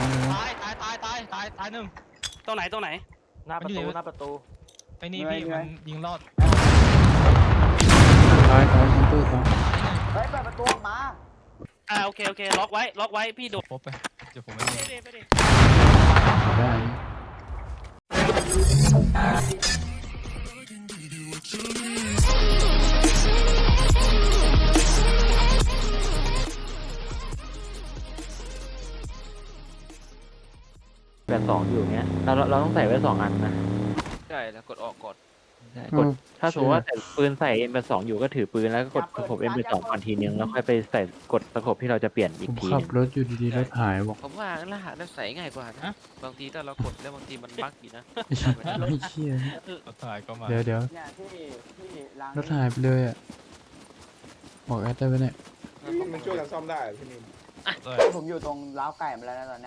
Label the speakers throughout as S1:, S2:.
S1: ตายหนึ่งตรงไหน
S2: หน้าประตู
S3: ไอ้นี่พี่มันยิงรอด
S4: ตายชั้นตู้ตาย
S5: เฮ้ยเปิดประตูออกมา
S1: โอเคล็อกไว้พี่โดด
S3: พบไปเดี๋ยวผมไม่มี
S1: ไปดิ
S4: ได้
S2: แบบ2อยู่เงี้ยเราต้องใส่ไว้2อันนะ
S6: ใช่แล้วกดออกกด
S2: กดถ้าสมมติว่าแต่ปืนใส่ M82 อยู่ก็ถือปืนแล้วก็กดสกบ M82 ก่อนทีนึงแล้วค่อยไปใส่กดสกบที่เราจะเปลี่ยนอี
S4: ผ
S2: ก
S4: ม
S2: ที
S4: ขั
S2: นึ
S4: บ
S2: ง
S4: รถอยู่ดีๆรถหายบอก
S6: ผมว่ารหัสนั้นใส่ง่ายกว่านะบางทีถ้าเรากดแล้วบางทีมันบั๊กอยู่นะ
S4: ไม่ใช่ไม่เชี่ย
S3: รถถ่ายก็มา
S4: เดี๋ยว
S5: เนี่ยที่ล้าง
S4: รถหายไปเลยอ่ะบอกแอดได้ไหมเนี่ย
S7: มันช่วยกันซ่อมได้พี่นิม
S5: ผมอยู่ตรงล้าวไก่มาแล้วนะตอนนี้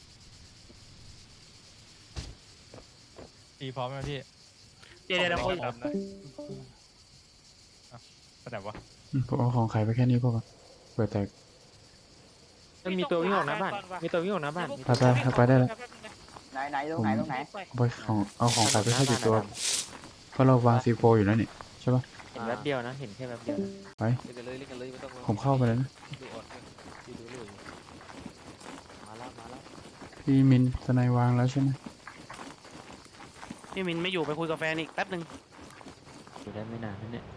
S3: ตีพร้อมไหมพี่
S1: เดี๋ยว
S3: คนดำนะแสดงว่า
S4: ผมเอาของขายไปแค่นี้พอก่อนเปิดแตก
S2: มันมีตัววิ่งออกหน้าบ้านมีตัววิ่งออกหน้าบ้าน
S4: ไปได้แล้ว
S5: ไหนตรงไหน
S4: เอาของขายไปแค่กี่ตัวเพราะเราวางซีโฟอยู่แล้วนี่ใช่ปะ
S2: เห็นแป๊บเดียวนะเห็นแค่แป๊บเดียวนะ
S4: ไป
S6: เล่นกันเลยไม่ต้อง
S4: ผมเข้าไปแล้วนะ
S6: ดูออดดูเลย
S2: มาแล้ว
S4: พี่มินสไนวางแล้วใช่ไหม
S1: พี่มินไม่อยู่ไปคุยกับแฟนอีกแป๊บหนึ่ง
S2: อยู่ได้ไม่นานนั่นเนี่ย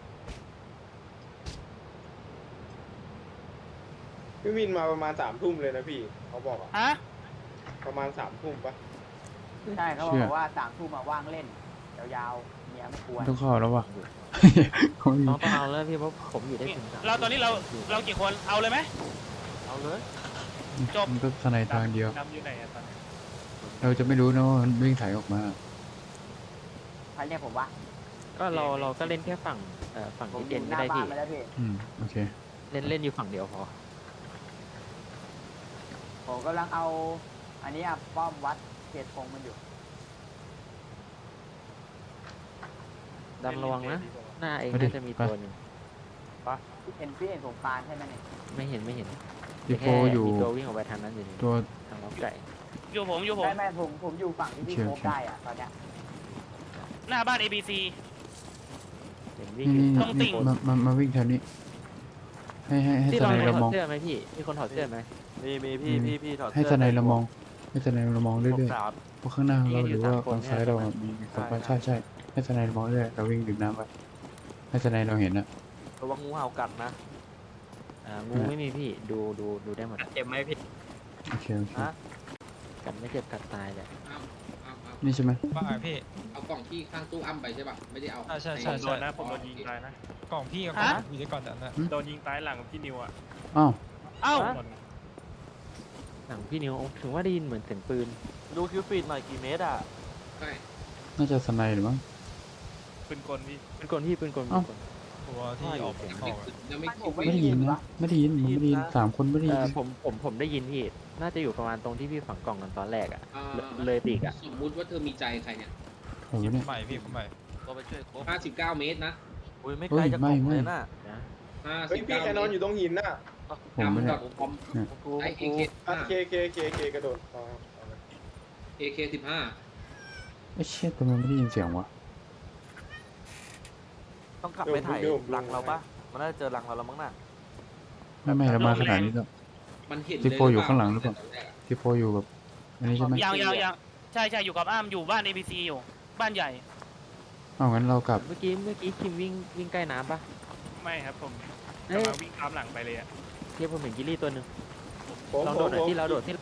S7: พี่มินมาประมาณ3 ทุ่มเลยนะพี่เขาบอกอะ
S1: ฮะ
S7: ประมาณ3 ทุ่มปะ
S5: ใช่เขาบอกว่า3 ทุ่มมาว่างเล่นยาวๆเมียไม่ควร
S4: ต้องเข้าแล้วว่ะ
S2: ต้องเอาแล้วพี่เพราะผมอยู่ได้ถึง
S1: เราตอนนี้เรากี่คนเอาเลยไหม
S2: เอาเลย
S1: จบ
S4: มันก็สไนทางเดียว
S1: ดำอยู่ไหนตอนนี้
S4: เราจะไม่รู้นะว่ามันวิ่งถ่ายออกมา
S5: ใครเรียกผมวะ
S2: ก็เราก็เล่นแค่ฝั่งฝั่ง
S5: ผม
S2: ที่
S5: อ
S2: เด่น
S5: ยู่ห
S2: ไม่
S5: น้า
S2: ได้
S5: บ้าน
S2: พี่
S5: มาแล้วพี่
S4: โอเค
S2: เล่นอยู่ฝั่งเดียวพอ
S5: ผมกำลังเอาอันนี้ป้อมวัดเขตคงมันอยู่
S2: ดำระวังนะหน้าเองน่าจะมีตัวหนึ่ง
S5: พี่เห็นผมปานใช่ไหมเนี่ย
S2: ไม่เห็น
S4: ซีโฟอยู่
S2: มีตัววิ่งออกไปทางนั้นอยู่
S4: ตัว
S2: ทางน้องไก่
S1: อยู่ผม
S5: ไม่ผมอยู่ฝั่งที่พี่โคบได้อะตอนเนี้ย
S1: หน้าบ้าน ABC
S2: เห็นวิ่ง
S4: นี่
S2: อยู่
S1: ต้องติ่ง
S4: มาวิ่งแถวนี้ ให้
S2: ที่
S4: ส
S2: เรา
S4: ไน
S2: ถ
S4: เรา
S2: อ
S4: ม
S2: ด
S4: อง
S2: เสื้อไหมพี่มีคนถอดเสื้อไหม
S6: มีพี่ถอด
S4: ให้สไนเรามอง ให้สไนเรามองเรื่อยๆเพราะข้างหน้าเราหรือว่าฝั่งซ้ายเรามีสองใช่ให้สไนเรามองเรื่อยเราวิ่งดื่มน้ำไปให้สไนเราเห็นอะ
S6: ระวังงูเห่ากัดนะ
S2: งูไม่มีพี่ดูได้หมด
S6: เจ็บไหมพี่
S4: โอเค
S2: กันไม่เจ็บกันตายเลย
S4: นี่ใช่ไหม
S3: ว่าไงพี่
S8: เอากล่องที่ข้างตู้อ้ำไปใช่ป่ะ ไม่ได้เอา
S3: ใช่
S1: ผมโดนนะผมโดนยิงตายนะ
S3: กล่องพี่กับอยู่ในก่อนนะ
S1: โดนยิงตายหลังพี่นิวอ่ะ
S4: อ้าว
S1: เอ้า
S2: หนังพี่นิวถึงว่าได้ยินเหมือนเสียงปืน
S6: ดูคิวฟีดหน่อยกี่เมตรอ่ะ
S8: ใช่
S4: น่าจะสไนหรือมั้ง
S1: ปืนกลพี่
S2: เป็นคนพี่เป็นคน
S3: ตัวที่ออก
S8: ยังไม่
S5: ผม
S4: ไม่ได้ยินนะไม่ได้ยิน3 คนไม่ได้ยิน
S2: ผมได้ยินพี่น่าจะอยู่ประมาณตรงที่พี่ฝังกล่องกันตอนแรกอ่ะ
S8: อ่า
S2: เลยปีกอ่ะ
S8: สมมุติว่าเธอมีใจใครเนี่ย
S4: โอ้โหเนี่ย
S3: ใหม่พี่ใหม่
S6: ก็ไปช่วยครบ
S8: 59 เมตรนะ
S6: อุ้ยไม่ไกลจากกล่องเลยน่ะ
S2: นะ
S7: เฮ้ยพี่แคนนอนอยู่ตรงหินน่ะ
S4: ผมไม่ได้
S8: ผม ไอเอเคกระโดดAK 15
S4: ไอ้เชี่ยแต่มันไม่ได้ยินเสียงวะ
S6: ต้องกลับไปถ่ายรังเราปะมันน่าจะเจอรังเราแล้วมั้งน่ะ
S4: ไม่เรามาขนาดนี้แล้ว
S8: มันเห็น
S4: ซีโฟอยู่ข้างหลังหรือเปล่า ซีโฟอยู่แบบอันนี้ใช่ไหม
S1: ยังใช่อยู่กับอ้ามอยู่บ้าน ABC อยู่บ้านใหญ่
S4: เอางั้นเรากลับ
S2: เมื่อกี้คิมวิ่งใกล้น้ำปะ
S1: ไม่ครับผม
S2: เอ้ย
S1: กำลังวิ่งตามหลังไปเลยอ่ะ
S2: เทียบผมเห็นกิลลี่ตัวหนึ่ง
S7: ผม
S2: ลอง
S7: ผ
S2: โด
S7: ม
S2: ดหน่อย
S7: ผม
S2: ที่เราโดด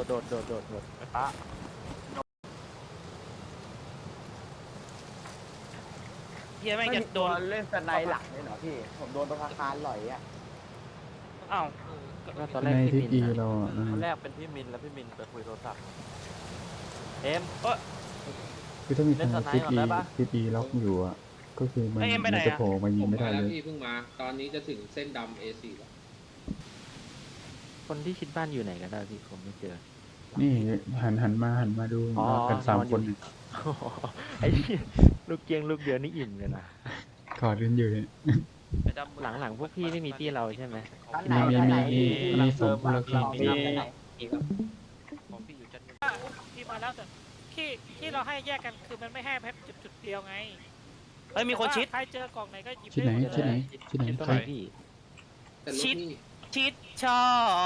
S1: เฮียแม่ง
S5: ไม่
S1: จะ
S5: มี
S1: โด
S5: ตัวน เล่นสไนหลังเลยเหรอพี่ผมโดนประภาคารหล่อยอ่ะ
S1: อ้าว
S2: ก็ตอนแร
S4: ใน
S2: ก
S4: ทิ
S2: พี่
S4: ศ
S2: มิน
S4: อีเราอะ
S6: ตอนแรกเป็นพี่มินแล้วพี่มินไปคุยโทรศัพท์เอ็ม
S4: คือถ้ามีทาง
S6: เล่นสไน
S4: ทิศ
S6: ก่อน
S4: อี
S6: ได้ปะ
S4: ทิศอีล็อกอยู่อะก็คือมันจะโผล่มายิ
S8: ผ
S4: ง
S8: ม
S4: ไม่ได้
S8: มา
S4: เล
S8: แล้ว
S4: ย
S8: พี่เพิ่งมา ตอนนี้จะถึงเส้นดำ A4 แล้ว
S2: คนที่คิดบ้านอยู่ไหนกันได้พี่ผมไม่เจอ
S4: นี่หันมาดู
S2: อ๋อ
S4: มากัน3 คน
S2: ไอ้นี่ลูกเกียงลูกเดียวนี่อิ่มเลยนะ
S4: กอดกันอยู่เนี่ย
S2: หลังพวกพี่ไม่มีที่เราใช่ไหม
S5: ชั้นไหนชั้นไหน
S4: มีสมคนละครึ่ง
S5: ชั้นไหน
S6: ของพี่อยู่
S9: แล้วแต่ที่เราให้แยกกันคือมันไม่ให้แค่จุดเดียวไง
S1: เฮ้ยมีคนชิด
S9: ใครเจอกล่องไหนก็หยิบ
S4: ที่ไหน
S9: ได้มด
S4: ที่ไหน
S9: เลย
S4: ที่ไหน
S2: ชิดตรง
S4: ใคร
S2: ไหนพี่
S8: แต่รถ
S1: ชิด
S8: นี่
S1: ชิดชอบ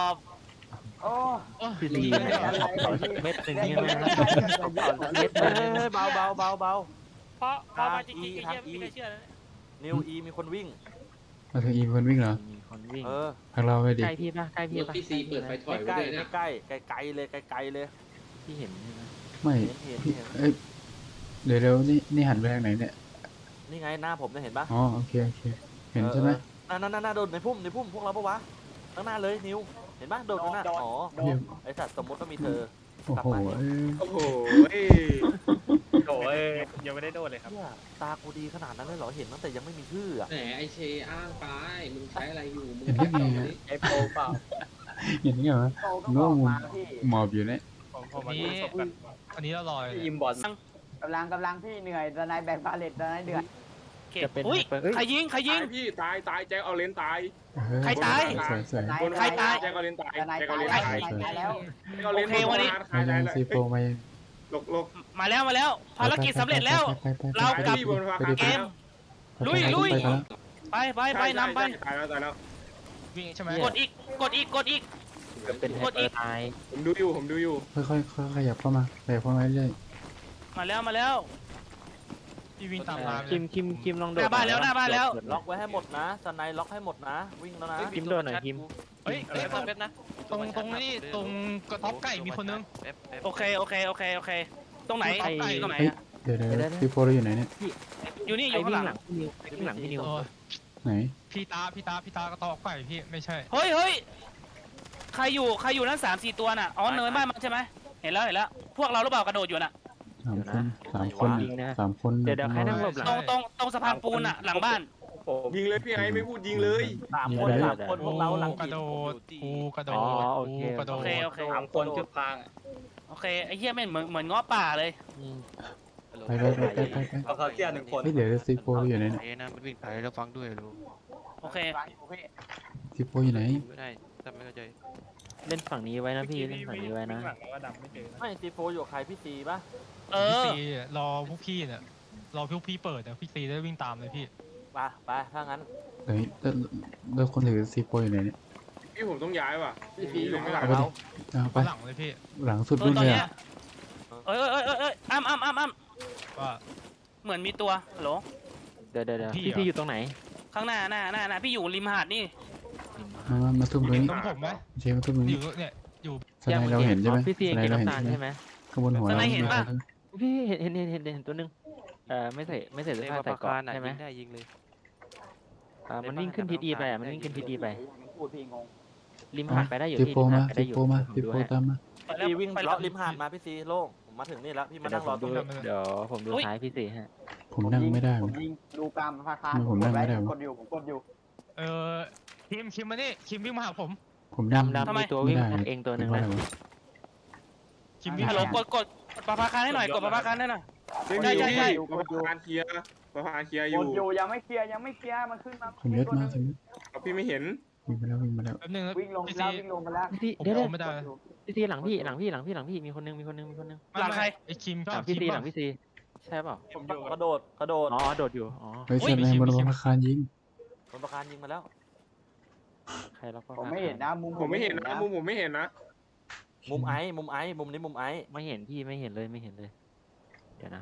S5: โอ้
S2: พี่ซี
S5: อะไรของพี่
S2: เม็ดหนึ่ง
S5: เล่น
S2: ใช่ไหม
S5: เล่น
S2: เม็ดหนึ่ง
S10: เบาเบา
S9: เพราะพอมาจริงๆไอ้เหี้ยไม่มีใครเชื่อแล้วเนี่ย
S10: นิวอีมีคนวิ่ง
S4: มาถึงอีคนวิ่งเหรอ
S2: มีคนวิ่ง
S4: ทางเราไปดิ
S2: ใกล้พี่ป่ะใกล้
S8: ร
S2: พี่
S8: ถ
S2: ป่ะ
S8: พี่ซีเปิดไฟถอย
S10: ใก
S8: ไว้
S10: ล้
S8: เลยนะ
S10: ใกล้ไกลเลยไกลเลย
S2: พี่เห็นใช่ไหม
S4: ไม่
S10: เห็น
S4: พี่เอ้ยเดี๋ยวนี่หันไปทางไหนเนี่ย
S10: นี่ไงหน้าผมเนี่ยเห็นปะ
S4: อ๋อโอเคเห็นใช่ไหม
S10: น่าโดดในพุ่มพวกเราปะวะข้างหน้าเลยนิวเห็นปะโดดข้างหน้าอ๋อ
S5: โดน
S10: ไอสัตว์สมมติว่ามีเธอ
S4: โอ้โหเอ้ย
S7: โอ้โห
S3: โอ้ยยังไม่ได้โดนเลยครับ
S10: เหี้ยตากูดีขนาดนั้นเลยเหรอเห็นตั้งแต่ยังไม่มีชื่ออะ
S8: แหมไอเชอ้างไปมึงใช้อะไรอยู่มึง
S4: เห็นได้ไง
S8: เอา
S4: อะ
S8: ดิ
S10: ไอโปรเปล่า
S4: เห็นได้ไงวะ
S5: โตต้องออกมาพี่
S4: หมอบอยู่เนี่ย
S3: ผมมาดูศพกันอันนี้เราลอยเลย
S10: ยิมบอล
S5: กำลังพี่เหนื่อยตอนนายแบกบาเลตตอนนายเดือด
S1: เก็
S2: จะ
S1: บ
S2: เป็น
S1: อุ้ย
S2: เอ้ย
S1: ใครยิงใครยิ
S7: ตาง ยพี่ตายแจ็คเอาเลนตาย
S1: ใครตาย
S4: สวย
S7: บน
S1: ใครตาย
S7: แจ็คเอาเลนตาย
S5: ตอนนาย
S7: แจ็ค
S5: ตา
S7: เอา
S5: ย
S7: เลน
S5: แล้ว
S7: ตาย
S5: ตายแล้ว
S7: แจ็คเอาเลน
S1: โอเควันนี้
S4: มายังซีโฟมายัง
S7: หลบ
S1: มาแล้วภารกิจสำเร็จแล้ว เรากลับ
S7: พี่บนฟ้า
S1: เกม ลุย ไปนำไป
S7: ตายแล้ว
S3: วิ่งใช่ไหม
S1: กดอีกกดอีก
S2: จะเป็นไฮเปอร์ตาย
S7: ผมดูอยู่
S4: ค่อยขยับเข้ามาเรื่อย
S1: มาแล้ว
S3: พี่วิ่งตามน้ำ
S2: คิมลองโดด
S1: หน้าบ้านแล้วหน้าบ้านแล้ว
S10: ล็อกไว้ให้หมดนะสไนล็อกให้หมดนะวิ่งแล้วนะ
S2: คิมโดดหน่อยคิม
S3: เฮ้ย
S6: เฮ้ยแป๊บนะ
S3: ตรงนี้ตรงกระท็อปไก่มีคนนึง
S1: โอเคตรงไหน
S3: ไอ้
S1: ตรงไหน
S4: ๆเดี๋ยวซีโฟเราอยู่ไหนเนี่ย
S1: อยู่นี่
S2: ไอ้
S1: ข้าง
S2: วิ่
S1: ห
S2: ง
S1: ลัง
S2: หลังพี่นิว
S3: โอ้ย
S4: ไหน
S3: พี่ตากระท็อปไก่พี่ไม่ใช่
S1: เฮ้ยใครอยู่นั่น3-4ตัวน่ะอ๋อเนินบ้านมันใช่ไหมเห็นแล้วพวกเราหรือเปล่ากระโดดอยู่น่ะ
S4: สามคน
S2: เดี๋ยวใครนั่งหลบหลัง
S1: ตรงสะพานปูนน่ะหลังบ้าน
S7: ยิงเลยพี่ไอ้ไม่พูดยิงเลย
S10: 3 คนพวกเราหลัง
S3: กระโดดกูกระโด
S2: อ๋อ
S3: ด
S2: โอเค
S3: กูกระโดด
S1: โอเค
S10: 3 คนจุดพาง
S1: โอเคไอ้เหี้ยแม่งเหมือนง้อป่าเลย
S4: ไป
S10: เอาเขาเสีย1 คน
S4: เดี๋ยวซีโฟอยู่ไหนเนี่ย
S6: ไอ้นะมันวิ่งไปแล้วฟังด้วยรู้
S1: โอเค
S4: ซีโฟอยู่ไหน
S6: ไม่ได้แต่ไม่เข้าใจ
S2: เล่นฝั่งนี้ไว้นะพี่เล่นฝั่งนี้ไว้นะ
S10: ไม่ซีโฟอยู่ใครพี่ซีปะ
S3: พี่ซีรอพวกพี่เนี่ยรอพวกพี่เปิดเนี่ยพี่ซีได้วิ่งตามเลยพี่
S10: ไปถ้างั้น
S4: เฮ้ยแล้วคนถือซีโฟอยู่ไหนเนี่ย
S7: พี่ผมต้องย้ายว่ะ
S10: พี่ซีอยู่ข้างหลัง
S4: เอาไป
S10: เรา
S4: เอาไป
S3: หลังเลยพี่
S4: หลังสุด
S1: ต
S4: รุ่น
S1: อน
S4: เลย
S1: เนี้ย
S4: อะ
S1: เอ้ยอ้ำ
S3: ว่า
S1: เหมือนมีตัวฮัลโหล
S2: เดี๋ยว
S3: พี่
S2: พี่อยู่ตรงไหน
S1: ข้างหน้าพี่อยู่ริมหาดนี่
S4: มาทุ่มตรง
S3: เห็น
S4: นี้
S3: ตรงผมไหม
S4: เชฟมาทุ่มตรง
S3: อ
S4: นี้
S3: ยู่เนี่ยอยู่
S4: สไนเราเห็นใช่ไหม
S2: พี่ซี
S4: สไน
S2: เก็บ
S4: เราเห็น
S2: น้ำตาล
S4: ใช่
S2: ใช่
S4: ไหม
S2: ไหม
S4: ข้างบนหัวเรา
S2: พี่เห็นตัวนึงไม่ใส่เสื้อ
S6: เรียก
S2: ผ้า
S6: ว่า
S2: ใส่
S6: ปาก
S2: เกราะ
S6: กาน่ะ
S2: ใช่ไหม
S6: ยิงได้ยิงเลย
S2: มันวิ่งขึ้นทิศอีไปมันวิ่งขึ้นทิศอีไป
S5: พูดพี่งง
S2: ริมหาดไปได้อยู่
S4: ซี
S2: ที่
S4: โฟ
S2: ริม
S4: มา
S2: หาดไป
S4: ซี
S2: ได้อยู่
S4: โฟมา
S2: ผม
S4: ซี
S2: ดู
S4: โฟ
S2: ให้
S4: ตามมา
S10: พี่วิ่งเลาะริมหาดมาพี่ซีโล่งผมมาถึงนี่แล้วพี่มานั่งรอตรงนี้
S2: เดี๋ยวผมดูท้ายพี่ซีฮะ
S4: ผมนั่งไม่ได้
S5: ผมยิงดูกรรมพาคา
S4: ผมนั่งไม่ได้
S5: กดอยู่
S3: คิมมานี่คิมวิ่งมาหาผม
S4: ผมนั่ง
S2: ดำมีตัววิ่งเองตัวหนึ่งนะ
S3: คิมวิ่ง
S1: ฮัลโหลกดปะพาคารให้หน่อยกดปะพาคารให้หน่อย
S7: ไม่มี
S1: ใช่
S7: พี่ประธานเคลียร์อก ยู่
S5: ดอยู่ยังไม่เคลียร์มันขึ้นมา
S4: ผมเยอะมาก
S7: เอาพี่ไม่เห็น
S4: วิ่งมาแล้ว
S3: แป๊บนึงนะ
S5: วิ่งลง
S3: พี่
S5: แล้
S3: ซี
S5: ววิ่งลงไปแล้ว
S2: พี่ซี
S3: ผม
S2: เดี๋ยว
S3: ไม่ได้
S2: พี่ซีหลังพี่มีคนนึง
S1: หลังใคร
S3: ไอ้คิมก็
S2: หลังพี่ซีหลังพี่ซีใช่เปล่าก
S10: ระโดด
S2: อ๋อโดดอยู่อ๋อ
S4: เฮ้ยเชฟในบนอาคารยิง
S10: บนประการยิงมาแล้ว
S2: ใครล็อก
S5: ผมไม่เห็นนะมุม
S7: ผมไม่เห็นนะมุมผมไม่เห็นนะ
S10: มุมไอ้มุมนี้มุมไอ้
S2: ไม่เห็นพี่ไม่เห็นเลยเดี๋ยวนะ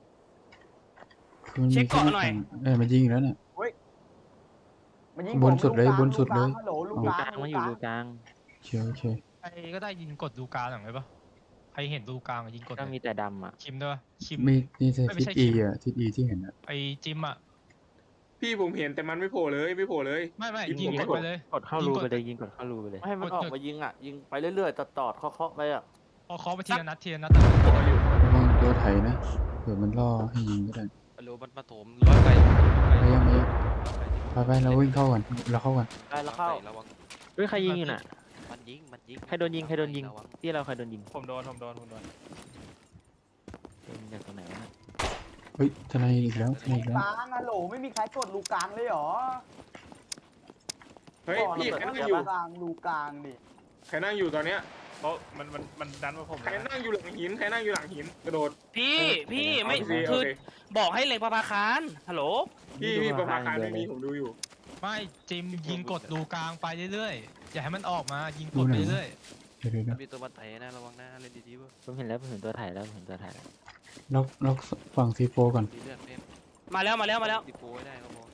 S4: มันยิงมันยิงแล้วเนี่ย
S5: มันยิง
S4: บนสุดเลย
S5: ฮัลโหลลูก
S2: ดู
S5: ก
S2: ก
S5: ลา
S2: ลาง งมาอยู่ดูกลาง
S4: เชียวโอเค
S3: ใครก็ได้ยิงกดดูกลางหน่อยไหมปะใครเห็นดูกลางยิงกด
S2: ก็มีแต่ดำอ่ะ
S3: คิมด้วยคิม
S4: มีนี่ใช่ทิศอีอ่ะทิศอีที่เห็นอ่ะ
S3: ไอ้จิมอ่ะ
S7: พี่ผมเห็นแต่มันไม่โผล่เลยไม่โผล่เลย
S3: ไม่
S7: ยิง
S3: ยิง
S7: ผม
S3: กดไปเลย
S2: กดเข้ารูไปเลยยิงกดเข้ารูไปเลย
S10: ไม่ให้มันออกมายิงอ่ะยิงไปเรื่อยๆตอดเคาะไปอ่ะ
S3: พอเคาะไปทีละนัด
S4: ระวังตัวไถนะเผื่อมันล่อให้ยิงก็ได้
S6: ฮัลโหลมันมาโถมร้อยไกล
S4: ไปเราวิ่งเข้าก่อนเราเข้าก่อน
S10: ได้แล้วเข้า
S6: ระวัง
S2: เฮ้ยใครยิงอยู่น่ะ
S6: มันยิง
S2: ใครโดนยิงที่เราใครโดนยิง
S3: ผมโดน
S2: เป็นจากตรงไหนวะ
S4: เฮ้ยทนายอีกแล้ว
S5: ลูกกลางฮัลโหลไม่มีใครกดลูกกลางเลยหรอ
S7: เฮ้ยพี่ใครนั่งอยู่
S5: ลูกกลางดิ
S7: ใครนั่งอยู่ตอนเนี้ย
S3: เพราะมันดันมาผม
S7: ใครนั่งอยู่หลังหินใครนั่งอยู่หลังหินกระโดด
S1: พี่ไม่
S7: โอเค
S1: คือ
S7: โอเค
S1: บอกให้เล็งประภาคารฮัลโหล
S7: พี่ประภาคารไม่มีผมดูอยู่
S3: ไม่จิมยิงกดรูกลางไปเรื่อยๆอย่าให้มันออกมายิงกดไปเรื่อย
S4: เดี๋ยว
S6: มันมีตัวมาไถนะระวังนะเล่นดีๆเว้ย
S2: ผมเห็นแล้วผมเห็นตัวถ่ายแล้วผมเห็นตัวถ่ายแล้ว
S4: ล็อกฝั่งซีโฟก่อน
S6: ดีเลือดเพิ่ม
S1: มาแล้ว
S6: ติดโป้ได้ก็พอ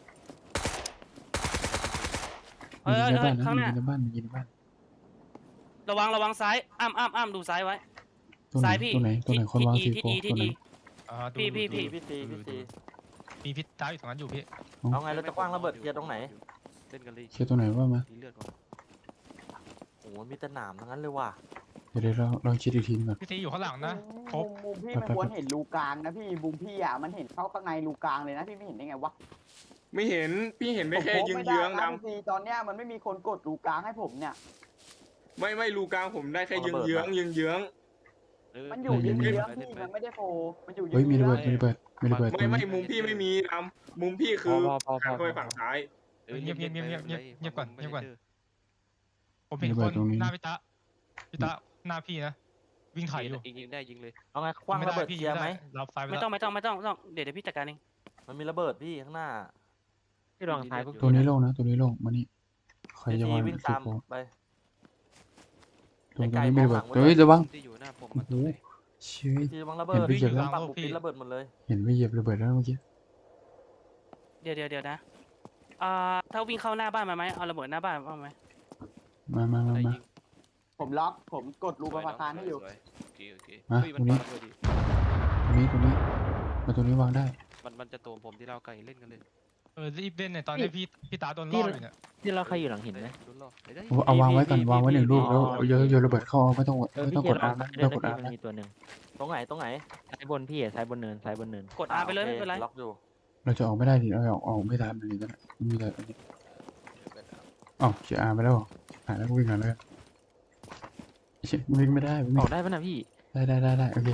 S1: เฮ้ย
S4: มีในบ้านนะ
S1: ข้างห
S4: มี
S1: น้า
S4: ในบ้านมีในบ้าน
S1: ระวังซ้ายอ้ำดูซ้ายไว้
S4: ตัวไหน
S1: ซ้ายพี่
S4: ตัวไหนตัวไหนคนวางซี
S1: ทิศ
S4: โฟ
S1: อีทิ
S4: ตัว
S1: ศ
S4: ไหน
S1: อี
S3: ๆอ่าดู
S1: พี่
S3: ดู
S10: พี่ตีพี่ตี
S3: มีพิษตาอยู่ตรงนั้นอยู่พี่
S10: เอาไงเราจะกว้างระเบิดเคลียร์ตรงไหน
S6: เล่นกันเลย
S4: เชียร์ตัวไหนว่ามา
S6: ดีเลือดก่อน
S10: โอ้โหมีแต่หนามทั้งนั้นเลยว่ะ
S4: เดี๋ยวเราคิดอีกทีนึงก่อน
S3: พี่ตีอยู่ข้างหลังนะครบ
S5: มุมพี่มันควรเห็นรูกลางนะพี่มุมพี่อ่ะมันเห็นเข้าข้างในรูกลางเลยนะพี่ไม่เห็นได้ไงวะ
S7: ไม่เห็นพี่เห็นได้แค่
S5: ผม
S7: เยื้อง
S5: ไม่
S7: เยื้อง
S5: ได้
S7: ด
S5: นะพี่ตอนเนี้ยมันไม่มีคนกดรูกลางให้ผมเนี่ย
S7: ำไม่รูกลางผมได้แค่เยื้องเยื้องเยื้องเยื้อง
S5: มันอยู่เยื้องพี่มันไม่ได้โฟมันอยู่เยื้
S4: เฮ้ย
S5: อง
S4: มีระเบิดตรง
S7: ไม่
S4: นี้
S7: มุมพี่ไม่มีดำมุมพี่คือ
S2: พอ
S7: ทางเข้าไปฝั่งซ้าย
S3: เงียบก่อนผมเห็น
S4: ระ
S3: ค
S4: เบิด
S3: น
S4: ตรงนี้
S3: หน้าพี่ตาหน้าพี่นะวิ่งไถ่อยู่
S6: ยิงได้ยิงเลย
S10: เอาไงกว้างระเบิดเคลียร์ไหม
S3: รับไฟไป
S1: ไม่
S3: แล้ว
S1: ต้องเดี๋ยวพี่จัดการเอง
S10: มันมีระเบิดพี่ข้างหน้า
S2: ที่ลองท้ายพวก
S4: ตัวนี้โล่งนะตัวนี้โล่งมานี่ใคร
S10: พี่
S4: จะ
S10: ตี
S4: วาง
S10: วิ่ง
S4: ซี
S10: ตาม
S4: โฟ
S10: ไป
S4: ตรงนี้ไม่ระเบิดเฮ้ยระวัง
S6: ที่อยู่หน้าผม
S4: โอ้
S6: มัน
S4: โหเชี่ย
S10: พี่ตีวางระเบิด
S4: เห็นพี่เจ็บแล้ว
S10: ฝั่งผมปิดระเบิดหมดเลย
S4: เห็นไม่เหยียบระเบิดแล้วเมื่อกี้
S1: เดี๋ยวนะถ้าวิ่งเข้าหน้าบ้านมาไหมเอาระเบิดหน้าบ้านมาไหม
S4: มา
S6: ได้ยิง
S5: ผมล็อกผมกดรูประภาคารให้อยู่
S6: โอเค
S4: มา
S6: เฮ้ย
S4: ตรงนี้
S6: ปาระเบิดดิ
S4: ตรงนี้มาตรงนี้วางได้
S6: มันจะโตมผมที่เราไก่เล่นกันเลย
S3: รีบเล่นเนี่ยตอนนี้พี่ตาโดนล่ออยู่เนี่ย
S2: ที่เราใครอยู่หลังหินไหม
S6: โดนล่อไปได้
S4: เอาวางไว้ก่อนวางไว้หนึ่งลูกแล้ว
S2: อ๋อ
S4: โยนระเบิดเข้าไม่ต้อง
S2: เออ
S4: ไม่
S2: พี่
S4: ต้อง
S2: เจ
S4: กด
S2: ล
S4: อา
S2: อง
S4: ร์นะ
S2: ได้
S4: ไม่ต้องกดอาร์
S2: มัน
S4: นะ
S2: มีตัวหนึ่ง
S10: ตรงไหน
S2: ซ้ายบนพี่ซ้ายบนเนิน
S1: กด R ไปเลย
S10: โอ
S1: ไม่
S10: ค
S1: เป็นไร
S10: ล็อกอยู่
S4: เราจะออกไม่ได้ดิเราออกไม่ทันเลยนั่นแหละมีแต่อันนี้อ๋อเชียร์อาร์ไปแล้วหายแล้ววิ่งกันเลยเชี่ยวิ่งไม่ได้วิ่ง
S2: ออกได้ป่ะนะพี่
S4: ได้โอเค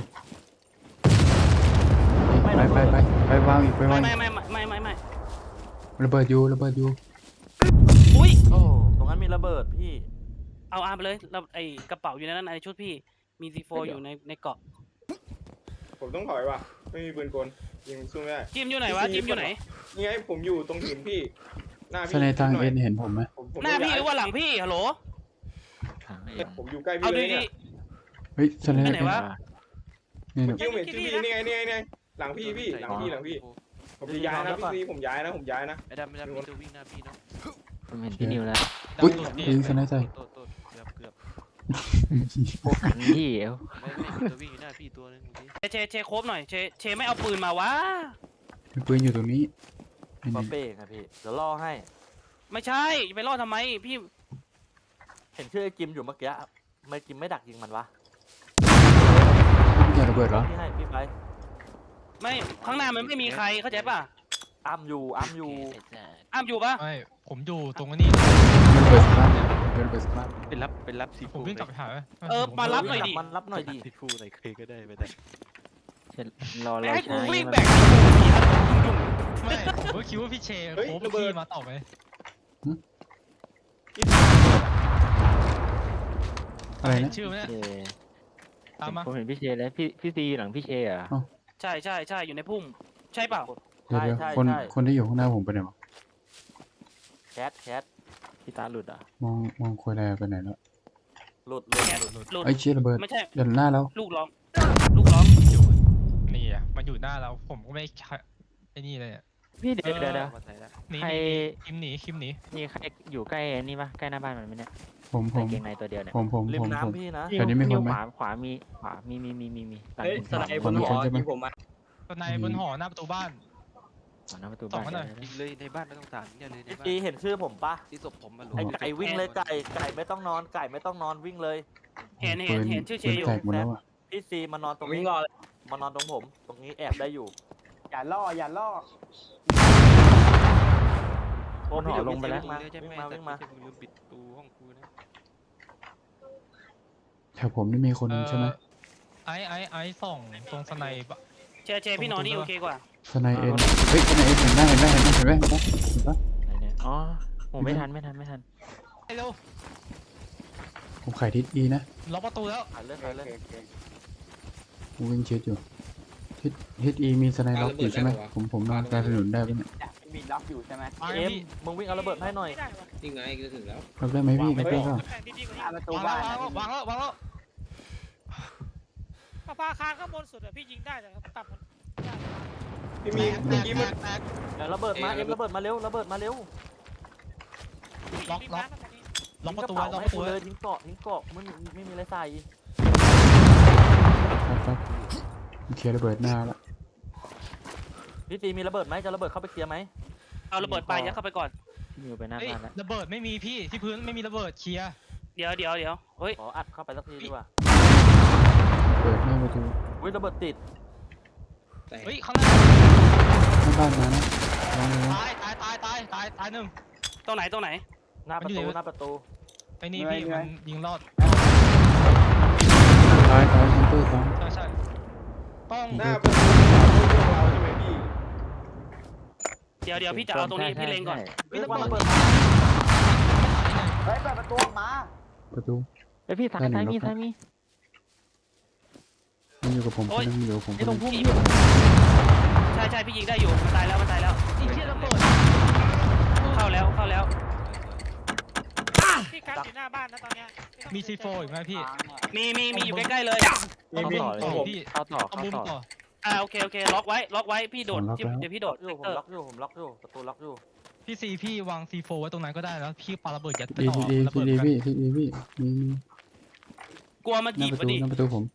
S4: ไปวางอีกไปวาง
S1: ไม่
S4: ระเบิดอยู่
S1: อุ้ย
S10: โอ้ตรงนั้นมีระเบิดพี่
S1: เอา R ไปเลยเราไอกระเป๋าอยู่ในนั้นในชุดพี่มี C4 อยู่ในเกาะ
S7: ผมต้องถอยว่ะไม่มีปืนกลยิงสู้ไม่ได้
S1: จิมอยู่ไหนวะจิมอยู่ไหน
S7: นี่ไงผมอยู่ตรงหินพี่หน้า
S4: ส
S7: พี่
S4: ไนทาง
S7: หน่
S4: เอ็
S7: ย
S4: นเห็นผมไหม
S7: ผม
S1: หน้าพี่ห
S7: ย้ย
S1: รือว่าหลังพี่ฮัลโหล
S7: ผมอยู่ใกล้
S1: เอา
S7: พี่เลย
S1: ดี
S7: เนี่ย
S4: เฮ้ยสไน
S1: ไป
S4: ทาง
S1: ไหน
S4: เอ็น
S1: วะ
S4: นี่
S7: เมื่อกี้ผมเห็นชื่อพี่นี่ไงหลังพี่หลังพี่ผมจะย้ายนะพี่ผมย้ายนะ
S6: ไอ้ดำมีตัววิ่งหน้าพี่เนาะ
S2: ผมเห็นพี่นิวแล้ว
S4: อุ้ย
S3: ดาวสุด
S4: ยิงสไนใจ
S6: โตเกือบ
S2: พวกกันพี่เอว
S6: ไม่มีตัววิ่งอยู่หน้าพี่ตัวนึงเมื่อกี้
S1: เชโคบหน่อยเชไม่เอาปืนมาวะ
S4: มีปืนอยู่ตรงนี้
S10: ปาเป้ไงพี่เดี๋ยวล่อให้
S1: ไม่ใช่ไปล่อทำไมพี่
S10: เห็นชื่อไอ้กิมอยู่เมื่อกี้ทำไมกิมไม่ดักยิงมันวะ
S4: อย่าระเบิดเหรอ
S10: พี่ให้พี่ไป
S1: ไม่ข้างหน้ามันไม่มีใครเข้าใจป่ะ
S10: อ้ํอยู่
S1: อ้ามอยู่ปะ
S3: ไม่ผมอยู่ตรงนี้
S4: ระเบิดสักบ้านระเบิดสักบ้าน
S6: เป็นรับซี
S3: ผมวิ่งกลับไปหา
S1: มารับหน่อยดิ
S10: มันรับหน่อยดิ
S6: ซีฟูไหนเคยก็ได้ไม่ได้
S2: รอ
S1: ให้กู
S2: ใช้
S1: วิ่ง
S2: มัน
S1: แบก
S3: ไม่ผมก็คิดว่าพี่เชโค้พี่มาต่อไหม
S4: อะไรนะ
S3: ชื่อไหม
S2: เช
S3: ตามมา
S2: ผมเห็นพี่เชแล้วพี่ซีหลังพี่เชอ่ะ
S1: ใช่อยู่ในพุ่มใช่เปล่า
S4: เดี๋ยวคนที่อยู่ข้างหน้าผมไปไหนวะ
S10: แคท
S2: พี่ตาหลุดอ่ะ
S4: มองคุยอะไรไปไหนแล้ว
S10: หลุด
S1: หลุด
S4: ไอ้เชี่ยระเบิด
S1: ไม่ใช่
S4: เดินหน้าแล้ว
S1: ลูกร้อง
S3: นี่อ่ะมันอยู่หน้าเราผมก็ไม่ไอ้นี่เลย
S2: พี่เดี๋ยว
S3: หนี
S2: ใคร
S3: คิมหนี
S2: มีใครอยู่ใกล้นี่ปะใกล้หน้าบ้านมันไหมเนี่ย
S4: ผม
S2: ใส่เกงในตัวเดียวเนี่ย
S10: ริมน้ำพี่นะ
S4: แถวนี้มีคนไหม
S2: ขวามีหลังหิน
S4: สไนบนหอยิงผม
S3: ตอนในบนหอหน้าประตูบ้าน
S2: หน้าประตู
S3: ส่
S2: บ้าง
S3: มาหน่อย
S2: น
S6: ยิงเลยในบ้านไม่ต้องตามเนี่ยเลยใน
S10: พี่
S6: บ้าน
S10: ตีเห็นชื่อผมปะ
S6: ที่ศพผมมาหลุ
S10: ไก่วิ่งเลยไก่ไม่ต้องนอนวิ่งเลย
S1: เห็นชื่อเชอยู่
S4: แตกหมดแล้วอ่ะ
S10: พี่ซีมานอนตรงนี้มานอนตรงผมตรงนี้แอบได้อยู่
S5: อย่าล่อ
S10: โอ้พี่เดี๋ยวพี่ซี
S6: วิ่
S10: วิ่งมา
S6: ใช่ไหม
S10: วิ่งมา
S6: แต่ไม่ใช่มึงลืมปิดตูห้องกูนะ
S4: แถวผมนี่มีคนใช่ไหม
S3: ไอ้ส่องตรงสไนปะ
S1: เชพี่นอนนี่โอเคกว่า
S4: สไนเอ็นเฮ้ยสไนเอ็นเห็นไหมเห็นไหม
S2: ไหนเนี่ยอ๋อผมไม่ทัน
S3: เร็ว
S4: ผมขายทิศ E นะ
S3: ล็อกประตูแล้ว
S10: ขายเลยขายเลย
S4: ผมวิ่งชิดอยู่ทิศ E มีสไนล็อกอยู่ใช่ไหมผมนอนกลางถนนได้ปะเนี่ย
S5: เนี่ยมีล็อกอยู่ใช่ไหม
S3: วาง
S10: เอ็
S3: เลย
S10: ม
S3: พี่
S10: มึงวิ่งเอาระเบิดมาให้หน่อย
S9: ไม่ได้วะ
S8: นี่ไงจะถึงแล้ว
S4: ล็อกได้ไหมพี่ล็อกได้เปล่า
S9: แข่งดีๆกว่า
S5: หน้า
S9: นี้
S5: ประตู
S3: วาง
S5: บ้า
S3: แล้ว
S5: น
S3: วางแล้ววางแล้ว
S9: ประภาคารข้างบนสุดอะพี่ยิงได้แต่ต่ำมันได้
S7: พี่มีเมื่อกี้มัน
S10: เดี๋ยวระเบิดมาเอ็มระเบิดมาเร็วระเบิดมาเร็ว
S3: ล็อก
S9: มี
S3: ล็อก
S9: ม้าตรงนี้
S3: ล็อกประตู
S10: ทิ้
S3: ไว้
S10: ง
S3: ล็อก
S10: ก
S3: ประ
S10: เป๋า
S3: ตู
S10: ให้กู
S3: ไว้
S10: เลยทิ้งเกาะไม่มีอะไรใส่
S4: ครับเคลียร์ระเบิดหน้าละ
S10: พี่ตีมีระเบิดไหมจะระเบิดเข้าไปเคลียร์ไหม
S1: เอาระเบิดไปยัดเข้าไปก่อน
S2: พี่นิวไปหน้า
S3: เฮ้ย
S2: บ้านแล้ว
S3: ระเบิดไม่มีพี่ที่พื้นไม่มีระเบิดเคลียร์
S1: เดี๋ยวเฮ้ย
S10: ขออัดเข้าไปสักทีดีกว่า
S4: เปิดหน้าประตู
S10: อุ้ยระเบิดติด
S8: แต่
S3: เฮ้ยข้างหน้า
S4: หน้าบ้านมานะลองเลยนะ
S3: ตายหนึ่ง
S1: ตรงไหน
S10: หน้าประตูหน้าประตู
S3: ไอ้นี่พี่มันยิงรอด
S4: ตายฮันเตอร์ตาย
S3: ใช่ต้อง
S7: หน้าประตูเราใช่ไหมพี่
S1: เดี๋ยวพี่จะเอาตรงนี้พี่เล็งก่อน
S10: เฮ้ยระเบิดมา
S5: เฮ้ยเปิดประตูออกมา
S4: ประตู
S2: ไอยพี่ซ้ายมี
S4: มันอยู่กับผมคนนึงอยู่กับผมค
S2: ไอ้
S4: น
S2: ตร
S4: นึ
S2: ง
S4: ง
S2: พุ่มพี่
S1: ใช่พี่ยิงได้อยู่มันตายแล้ว
S3: ไอ้เชี่ยระเบิด
S1: เข้าแล้ว
S9: พี่คัดอยู่หน้าบ้านนะตอนเนี้ยไต้อง
S3: มีซีโฟอีกไหมพี่
S1: มีอยู่ใกล้ๆเลย
S3: เอามุมต่อพี่
S2: เข้าต่อ
S3: เอามุมต่อ
S1: โอเคล็อกไว้พี่โดดเดี๋ยวพี่โดด
S10: ผมล็อกอยู่ประตูล็อกอยู่
S3: พี่ซีพี่วางซีโฟไว้ตรงนั้นก็ได้แล้วพี่ปาระเบิดยัดไป
S4: ดี
S3: ต่อ
S4: ดี
S3: ระเบิด
S4: ดี
S3: กัน
S4: พี่ดีพี่มี
S1: กลัวมัน
S4: หน้า
S1: จีบ
S4: ประ
S1: พอ
S4: ตู
S1: ดี
S4: หน้าประตูผม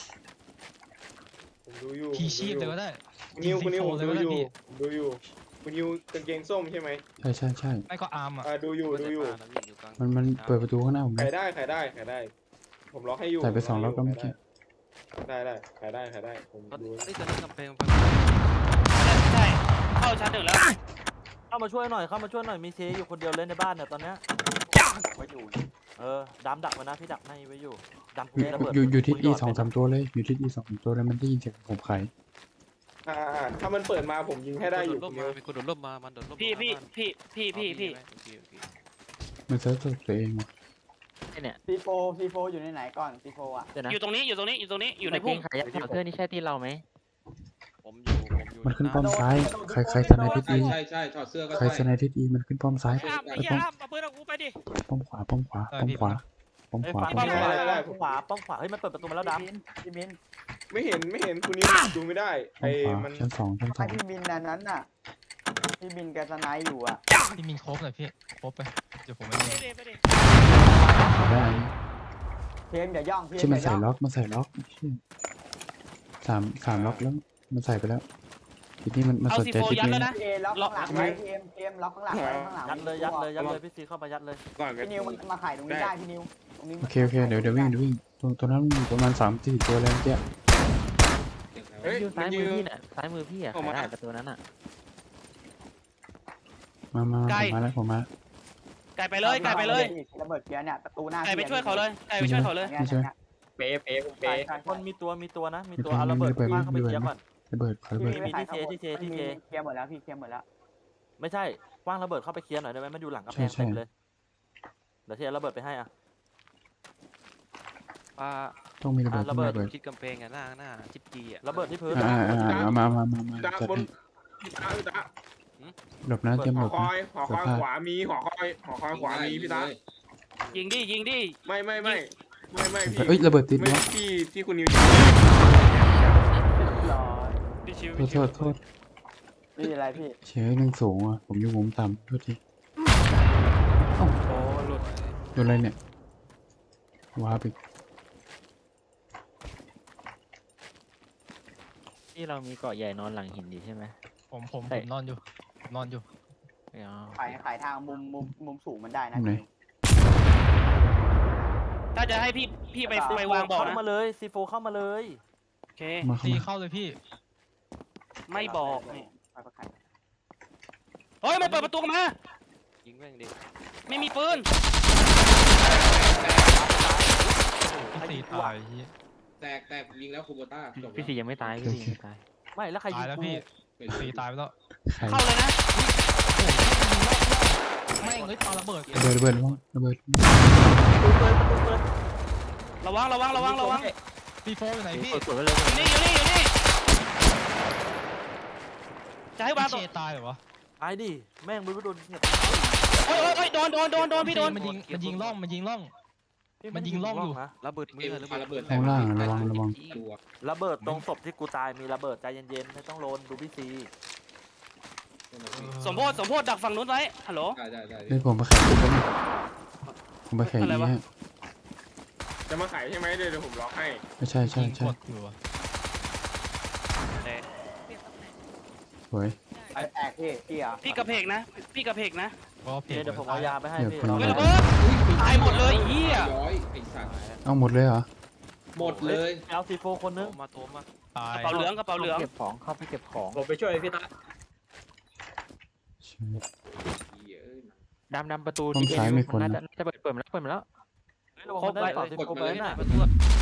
S7: ผมดูอยู่
S3: พีชีพเลยก็ได้
S7: คุณนิวผม
S3: เลย
S7: ดู
S3: ก็ได้
S7: อยู่
S3: พี่
S7: ผมดูอยู่คุณนิวกางเกงส้มใช่ไหม
S4: ใช่
S3: ไม่ก็อาร์มอ่ะ
S7: ดูอยู่
S4: มันเปิดประตูข้างหน้าผม
S7: ขา
S4: นะ
S7: ยได้ ผมล็อกให้อยู่
S4: ใส่ไป2ล็อกแล้วเมื่อกี้
S7: ได้ขายได้ผมดู
S6: นี่จะกำแพง
S1: ใช่เข้าชั้นหนึ่งแล้ว
S10: เข้ามาช่วยหน่อยมีเชอยู่คนเดียวเลยในบ้านเนี่ยตอนเนี้ย
S5: ไว้อยู่
S10: ดำดักไว้นะพี่ดักในไว้อยู่ดำ
S4: อยู่
S10: ระเบิด
S4: อยู่ทิศ E 2-3ตัวเลยอยู่ทิศ E 2-3ตัวเลยมันได้ยินเสียงผมขาย
S7: ถ้ามันเปิดมาผมยิงให้ได้อยู่
S6: โด
S7: คุณ
S6: ด
S7: นิว
S6: ร่มมาเป็นคนโดดร่มมามันโดดร่ม
S1: พี่
S4: มันเซิร์ฟตัวเองว่ะ
S2: ไอ้เนี่ย
S5: C4 อยู่ในไหนก่อนC4อ่ะ
S2: เดี๋ยวนะ
S1: อยู่ตรงนี้อยู่ใน
S2: ตะเก
S1: พุ่
S2: ง
S1: ม
S2: ขายาวเพื่อนนี่ใช่ที่เราไหม
S6: ผมอยู่
S4: มันขึ้นป้อมซ้ายใครสไนทิศ E
S8: ใช่ถอดเสื้อก็
S4: ใครสไนทิศ E มันขึ้นป้อมซ้าย
S9: ไอ้อ้ามไอ้เหี้ยอ้ามเอาปืนเอากูไปดิ
S4: ป้อมขวาป้อมขวา
S10: ป้อมขวาป้อมขวาเฮ้ยมันเปิดประตูมาแล้วดำ
S5: พี่มิน
S7: ไม่เห็นคุณนิวดูไม่ได้
S4: ป้อมขวา
S7: มัน
S4: ชั้น 2
S5: ใครพี่มินนั้นน่ะพี่มินแกสไนด์อยู่อ่ะ
S3: พี่มินครบเลยพี่ครบไปเดี๋ยวผมไม่มี
S9: ไปดิ
S4: ได้
S5: เทมอย่าย่อง
S4: ใช่มันใส่ล็อกสามล็อกแล้วมันใส่ไปแล้วทีนี้มัน
S1: เอา
S4: สน
S1: ซี
S4: ใจ
S1: โฟ
S4: ทิศ
S1: ยัด
S4: นี้
S1: แล้วนะ
S5: พี่เอล็อกข้างหลังไว้เทมล็อกข้างหลังไว้ข้างหลัง
S10: ยัดเลยพี่ซีเข้ามายัดเลย
S7: ก่อน
S5: พี่นิวมันมาไข่ตรงนี้ได้พี่นิวตรงนี้
S4: โอเคเดี๋ยววิ่งตัวนั้นมีประมาณ3-4ตัวแล้วเมื่อกี้
S2: อยู่ซ้ายมือพี่เนี่ยซ้ายมือพี่อ่ะขายได้ประตูนั้นอ่ะ
S4: มาผมมา
S1: ไก่ไปเลย
S5: ระเบิดเกียร์เนี่ยประตูหน้า
S1: ไก่ไปช่วยเขาเลย
S10: คนมีตัวนะมีตัวเอาระเบิดคว้างเข้าไปเคลียร์ก่อน
S4: ระเบิดขอระเบิด
S10: มีที่เช
S5: เคลียร์หมดแล้วพี่เคลียร์หมดแล้ว
S10: ไม่ใช่คว้างระเบิดเข้าไปเคลียร์หน่อยได้ไหมมันอยู่หลังกระแพงเต็มเลยเดี๋ยวเทียระเบิดไปให้อ่ะ
S4: ต้องมีระเบิด
S10: ระเบิด
S6: ชิดกำแพงหน้าจิ๊บจีอ่ะ
S10: ระเบิดที่พื้น
S4: มา
S7: ตา
S4: จัด
S7: บน
S4: ให้
S7: ตา
S4: หลบนะเตรียม
S7: ห
S4: หล
S7: อบ ค
S4: นะ
S7: อยขวามีหอคอยขวามีพี่ตา
S1: ยิงดิ
S7: ไม่พี่
S4: เอ้ยระเบิดติด
S7: ไม่
S4: วะ
S7: ที่คุณนิว
S5: รอ
S4: โทษ
S5: พี่อะไรพี่
S4: เฉยหนึ่งสูงอ่ะผมอยู่มุมต่ำโทษที
S6: โอ้หลุด
S4: โดนอะไรเนี่ยว้าไป
S2: ที่เรามีเกาะใหญ่นอนหลังหินดีใช่ไหม
S3: ผมนอนอยู่
S5: ขายทางมุมสูงมันได้นะ
S1: ถ้าจะให้พี่ไปวางบอก
S10: เข้า
S1: นะ
S10: มาเลยซีโฟเข้ามาเลย
S1: โอเค
S4: มา
S3: ซีเข้าเลยพี่
S1: ไม่บอกนี่
S5: ไปประกัน
S1: เฮ้ยมันเปิดประตูมา
S6: ยิงแม่งดิ
S1: ไม่มีปืน
S3: พี่ซีตายพี่
S8: แตกยิงแล้วคูโบต้าจบ
S2: พี่สียังไม่ตายพี่สียังไม่ตาย
S10: ไม่แล้วใครยิ
S3: ตาย
S10: ง
S3: แล้ว
S10: กู
S3: พี่ซีตายไปแล้ว
S4: ใคร
S1: เข้าเลยนะ
S3: ไม่งเลยปาระเบิด
S4: ระเบิด
S10: ประตูเปิด
S1: ระวังระวังระวังระวัง
S3: ซีโฟอยู่ไหนพี่
S2: สวยๆเลย
S1: อยู่นี่อยู่นี่อยู่นี่จะให้วาง
S3: พี่
S1: ตัว
S3: เชตายเหรอวะ
S10: ตายดิแม่งไม่รู้โดนเนี่ย
S1: โอ้ยโอ้ยโดนพี่โดน
S3: มันยิงร่องมันยิงร่อง มันยิงร่องอยู่
S10: นะ
S6: ระเบิดมือระเบิด
S4: ข้างล่างระวังระวัง
S10: ระเบิดตรงศพที่กูตายมีระเบิดใจเย็นๆไม่ต้องโลนดูพี่ซี
S1: สมโพธิดักฝั่งนู้นไว้ฮัลโหล
S4: เฮ้ยผมไปแข่งกันนะผมไปแข่ง
S1: อะไร
S4: นี้
S1: วะ
S4: ฮะ
S7: จะมาขายใช่ไหมเดี๋ยวผมล็อกให้
S4: ไม่ใช่ใช่
S3: ยิง
S4: ใช่
S3: กดอยู่อะ
S4: สวย
S5: ไปแตกพี่เหรอ
S1: พี่กระเพกนะพี่กระเพกนะ
S3: ก็เพ
S10: เดี๋ยวผมเอายาไปให้พี่
S1: ไม่ระเบิดตายหมดเลยเฮีย
S8: ย้อยไอ้สัตว์
S4: เอาหมดเลยเหรอ
S8: หมดเลย
S10: เอาซีโฟคนนึง
S6: โทรมา
S3: ตาย
S1: กระเป๋าเหลืองกระเป๋าเหลือง
S2: เก็บของเข้าไปเก็บของ
S8: ผมไปช่วยพี่ตา
S4: ใช่
S2: ดำประตู
S4: ห้องซ้ายมีคนนะ
S2: น่าจะเปิดมาแล้ว
S10: ครบได้ต่อซีโฟไปน่ะ
S6: ประตู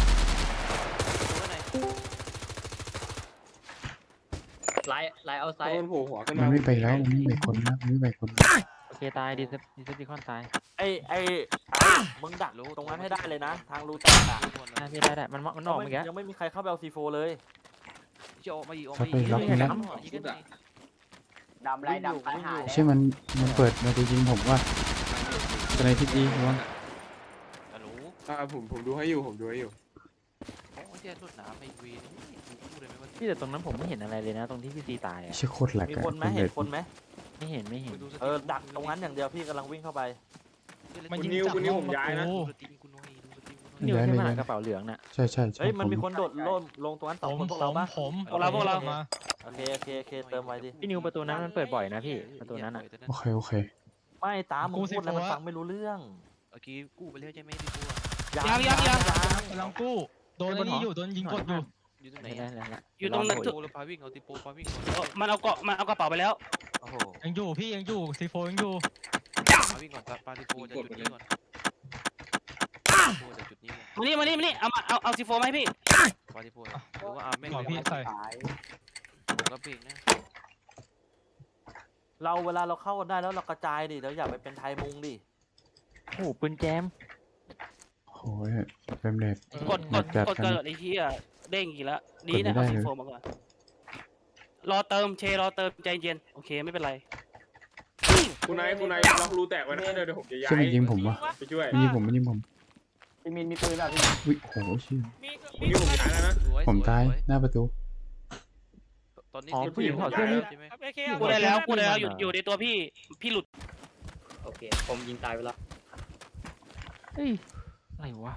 S8: ไล่เอาไซ
S7: โดนโผล่หัวขึ้น
S4: มั
S7: มาน
S4: ไม่ไปแล้วมันไม่ไปคนนะมันไม่ไปคน
S2: โอเคตายดีเซปติคอนตาย
S10: ไอ้มึงดักตรงนั้นให้ได้เลยนะ ทางรูแตกอ่ะ
S2: ได้พี่ได้มันออกเมื่อกี้
S10: ยังไม่มีใครเข้าไปเอาซีโฟเลย
S6: จะออกมาอีกออก
S4: เขา
S6: มา
S4: ไปล็อกนี่แล้ว
S5: ดำไรดำตายหาย
S4: ใช่มันเปิดมาจะยิงผมว่าอะไรที่ดีระวัง
S6: ฮัลโหล
S7: ผมดูให้อยู่ผมดูให้อยู่
S6: โอ้ยเจ้ารถหนาไม่วีนี่พูดเลยไหมว่า
S2: พี่แต่ตรงนั้นผมไม่เห็นอะไรเลยนะ ตรงที่พี่ซีตายอ่ะ
S4: ชื่อโคตรแหลก
S10: มี
S4: อะ
S10: คนไหม
S4: เป็น
S10: เห็
S4: เด็
S10: น
S4: ด
S10: คนไหม
S2: ไม่เห็น
S10: ดักตรงนั้นอย่างเดียวพี่กำลังวิ่งเข้าไป
S3: มันยิงจากร่องประตู
S6: ดูสตรีมกูน้อยดูสตรีมกูน้อย
S2: นี่ใช่ไหมกระเป๋าเหลืองน่ะ
S4: ใช่ใช่ใช่
S10: เฮ้ยมัน
S4: ผม
S10: มีคนโดดลงตรงนั้นสองคนพวกเราปะ
S3: ผม
S1: พวกเรา
S3: มา
S10: โอเคเติมไว้ดิ
S2: พี่นิวประตูนั้นมันเปิดบ่อยนะพี่ประตูนั้นอ่ะ
S4: โอเคโอเค
S10: ไม่ตามมึงพูดแล้วมันฟังไม่รู้เรื่อง
S6: เมื่อกี้กู้ไปแล้วใช่ไหมที่กู้
S1: ยัง
S3: กำลังกู้โดนไอ้นี่อยู่โดนยิงกดอยู่
S6: อยู่ตรงไหน
S2: ไม่ได้แล้ว
S1: อยู่ตรงนั้น
S6: โปรแล้วพาวิ่งเอาติโปพาวิ่งก่อน
S1: มันเอากระเป๋าไปแล้ว
S10: โอ้โห
S3: ยังอยู่พี่ยังอยู่ซีโฟยังอยู่
S6: พาวิ่งก่อนปาติโปจะจุดนี้ก่อนโปจะจุดนี้ก่อน
S1: มานี่เอาซีโฟมาให้พี่
S6: ปาติโปหรือว่าอาแม่ง
S3: ก่อนพี่ใส่
S5: ตาย
S6: ผมก็เบรกนะ
S10: เราเวลาเราเข้ากันได้แล้วเรากระจายดิเราอย่าไปเป็นไทยมุงดิ
S2: โอ้ปืนแจม
S4: โอ้ยเป็นเด็ด
S1: กดเกิดไอ้เหี้ยเด้งอีกแล้วดีนะ
S4: กดไม่ได้
S1: เอาซี
S4: เลย
S1: โฟมาก่อนรอเติมใจเย็นโอเคไม่เป็นไร
S7: คุณนายล็อกรูแตกไว้นะเดี๋ยวผมจะย้าย
S4: ใช่มันยิงผมวะ
S7: ไปช่วย
S4: มันยิงผมมันยิงผม
S5: พี่มินมีปืนแบบพี่
S4: อุ้ยโหเชี่ย
S9: มี
S7: คุณนี่ผมย้ายแล้วนะ
S4: ผมตายหน้าประตู
S6: ตอนนี้
S2: ผู้หญิงถอดเสื้อนี่
S6: ใช่ไหม
S9: ครับ AK
S1: พูดได้แล้วอยู่ในตัวพี่หลุด
S8: โอเคผมยิงตายไปแล้ว
S2: เฮ้ยอะไรวะ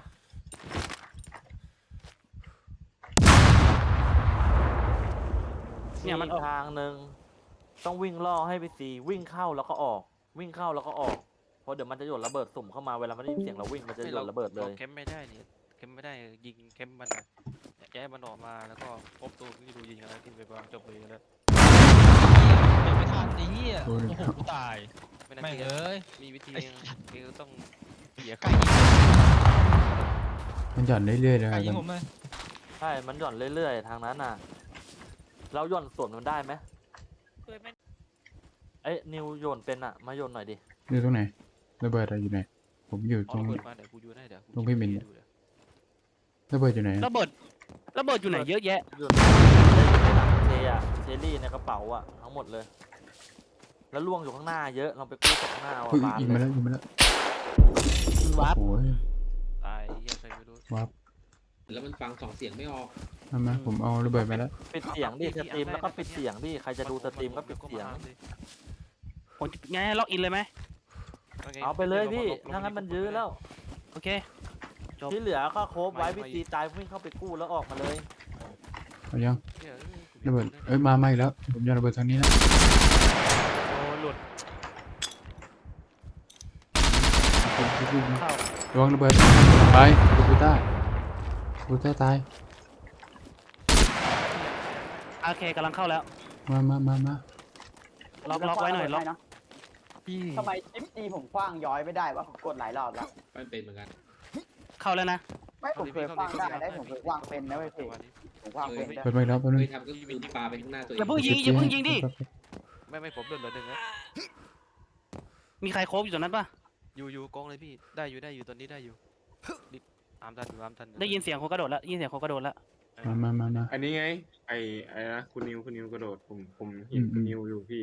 S1: เนี่ยมันออก
S10: ทางหนึ่งต้องวิ่งล่อให้ไปซีวิ่งเข้าแล้วก็ออก วิ่งเข้าแล้วก็ออกเพราะเดี๋ยวมันจะโยนระเบิดสุ่มเข้ามาเวลามันได้ยินเสียงเราวิ่งมันจะโยนระเบิดเลย
S6: แคมไม่ได้เนี่ยแคมไม่ได้ยิงแคมมันย้ายมันออกมาแล้วก็พบตัวนี่ดูยิงอะไรที่ไปวางจบเลยแล้ว
S3: เดี๋ยวไม่ทันไอ้เหี้ย
S4: โอ้
S3: โอ้
S4: ย
S3: โหกูตาย
S6: ไม่น่า
S3: แม่ง
S6: เกลีย
S3: เอ้ย
S6: มีวิธีคือต้องเสีย
S3: ไก่
S6: ค่า
S3: ยิง
S4: มันหย่อนเรื่อยๆเลย
S3: ไก่
S4: ค
S3: ยิง
S4: รับ
S3: ผมเลย
S10: ใช่มันหย่อนเรื่อยๆทางนั้นน่ะ เราหย่อนส่วนมันได้ไหม
S9: ปืนไม่
S10: เอ้ยนิวโยนเป็นอ่ะมาโยนหน่อยดิ
S4: อยู่ตรงไหนระเบิดอะไรอยู่ไหนผมอยู่ต
S6: เอา
S4: รง
S6: ระเบิดมาเดี๋ยวกูยูได้เดี๋ยว
S4: ตรงพี่มิน ระเบิดอยู่ไหน
S1: ระเบิดอยู่ไหนเยอะแยะ
S10: โยนในหลังเชอะเชลลี่ในกระเป๋าอ่ะทั้งหมดเลย แล้วล่วงอยู่ข้างหน้าเยอะลองไปกู้จากข้างหน้าเอา
S4: อุ้ย
S10: บาน
S4: ยิง
S10: เล
S4: มาย แล้วยิงมาแล้ว
S1: วาร์ป
S4: โอ้ย
S6: ตายเฮียใครไม่รู้
S4: วับ
S8: แล้วมันฟัง2 เสียงไม่ออก
S4: มาผมเอาระเบิดมาแล้ว
S10: ปิดเสียงดิสตรีมแล้วก็ปิดเสียงดิใครจะดูสตรีมก็ปิดเสียง
S1: ผมไงล็อกอินเลยไหม
S10: เอาไปเลยพี่ถ้างั้นมันยื้อแล้ว
S1: โอเค จบ
S10: ที่เหลือก็โคบไว้พี่ตีตายวิ่งเข้าไปกู้แล้วออกมาเลย
S4: เอายังระเบิดเอ้ยมาอีกแล้วผมจะระเบิดทางนี้นะ
S1: โอ้หลุด
S4: ระวังระเบิดไปกูต้าตาย
S1: โอเคกำลังเข้าแล้ว
S4: มา
S1: ล็อกไว้หน่อยล็อก
S3: พี่
S5: ทำไมชิปตีผมคว้างย้อยไม่ได้วะผมกดหลายรอบแล้ว
S8: มันเป็นเหมือนกัน
S1: เข้าแล้วนะ
S5: ไม่ผมเคยคว้างได้ผมเคยคว้างเป็นนะเว้ยพี่ผมคว้างเป็นได้
S4: เปิดมาอีกแล้วแป๊บนึ
S8: เค
S4: ง
S8: ยทำก็คือปาไปข้างหน้าตัวเอ
S1: อย่าง เพิ่งยิงดิ
S6: ไม่ผมเดินเหลือหนึ่งนะ
S1: มีใครโคบอยู่ตรงนั้นปะ
S6: อยู่กองเลยพี่ได้อยู่ตอนนี้ได้อยู่ตามทันอยู่ตามทันอ
S1: ได้ยินเสียงคนกระโดดแล้วยินเสียงคนกระโดดแล้ว
S4: มา
S7: อันนี้ไงไอ้นะคุณนิวกระโดดผมเห็นคุณนิวอยู่พี่